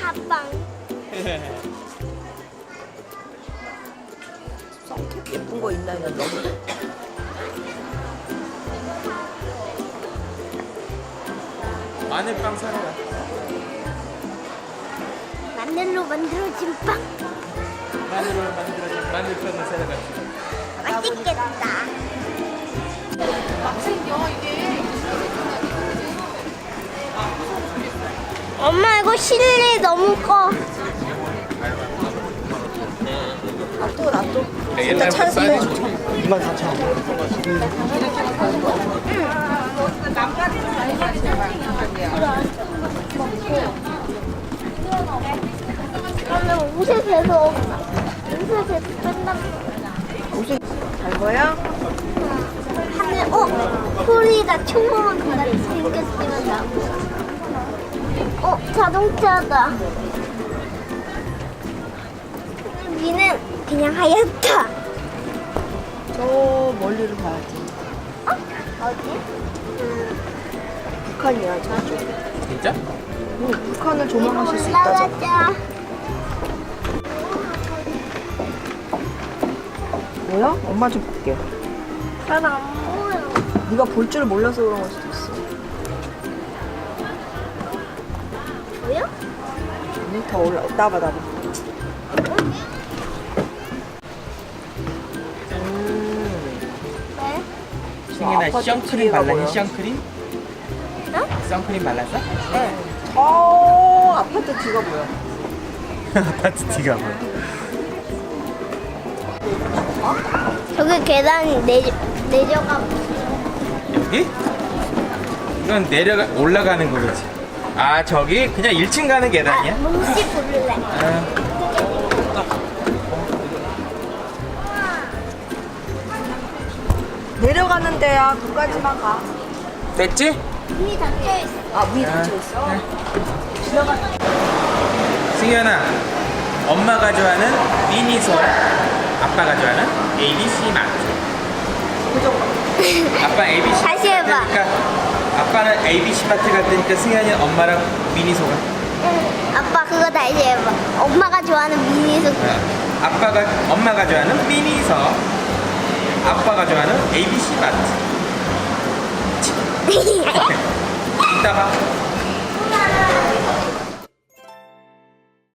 가방. 선캡 예쁜 거 있나 했는데. 마늘빵 사러 가. 마늘로 만들어진 빵. 마늘로 만들어진 마늘빵을 사러 가. 맛있겠다. 엄마 이거 실내 너무 커. 놔둬. 옛날 찬스 사이즈 24,000원. 그러면 옷에 재서 옷에 재서 뺀단 옷이 잘 거야? 하늘 소리가 총으로 같이 생겼으면 나고. 자동차다. 위는 그냥 하얗다. 저 멀리로 가야지. 어디? 북한이야, 저쪽. 진짜? 북한을 조망하실 수 있다잖아. 올라가자. 뭐야? 엄마 좀 볼게. 잘 안 보여. 네가 볼 줄 몰라서 그런 걸 수도 있어. 보여? 더 올라. 나봐. 왜? 승현아 아파트 선크림 뒤에가 발랐니? 뭐야? 선크림? 선크림 발랐어? 아파트 뒤가 뭐야? 아파트 뒤가 뭐야? 저기 계단 내려가. 여기? 이건 올라가는 거겠지. 아 저기 그냥 1층 가는 계단이야? 뭉치 부를래. 아, 내려가는 데야. 그까지만 가. 됐지? 문이 닫혀 있어. 아, 문이 닫혀 있어? 승현아, 엄마가 좋아하는 미니소, 아빠가 좋아하는 ABC 마트. 아빠 ABC 다시 해봐. 마트 가니까 아빠는 ABC 마트 갔으니까 승현이는 엄마랑 미니소가. 아빠 그거 다시 해봐. 엄마가 좋아하는 미니소. 엄마가 좋아하는 미니소, 아빠가 좋아하는 ABC 마트. 이따 봐.